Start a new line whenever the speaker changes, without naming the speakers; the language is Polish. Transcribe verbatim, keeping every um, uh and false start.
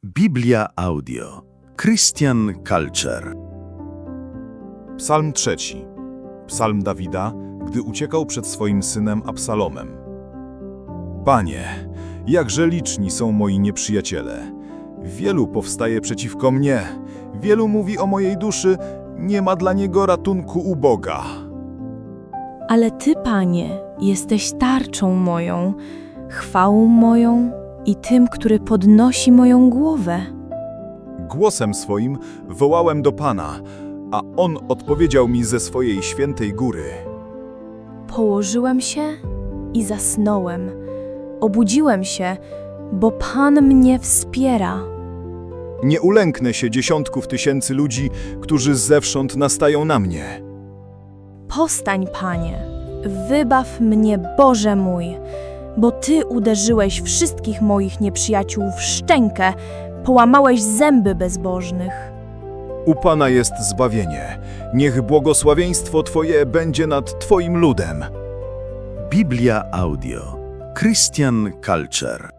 Biblia Audio. Christian Culture.
Psalm trzeci. Psalm Dawida, gdy uciekał przed swoim synem Absalomem. Panie, jakże liczni są moi nieprzyjaciele. Wielu powstaje przeciwko mnie. Wielu mówi o mojej duszy, nie ma dla niego ratunku u Boga.
Ale Ty, Panie, jesteś tarczą moją, chwałą moją i tym, który podnosi moją głowę.
Głosem swoim wołałem do Pana, a On odpowiedział mi ze swojej świętej góry.
Położyłem się i zasnąłem. Obudziłem się, bo Pan mnie wspiera.
Nie ulęknę się dziesiątków tysięcy ludzi, którzy zewsząd nastają na mnie.
Powstań, Panie, wybaw mnie, Boże mój, bo Ty uderzyłeś wszystkich moich nieprzyjaciół w szczękę, połamałeś zęby bezbożnych.
U Pana jest zbawienie. Niech błogosławieństwo Twoje będzie nad Twoim ludem.
Biblia Audio. Christian Culture.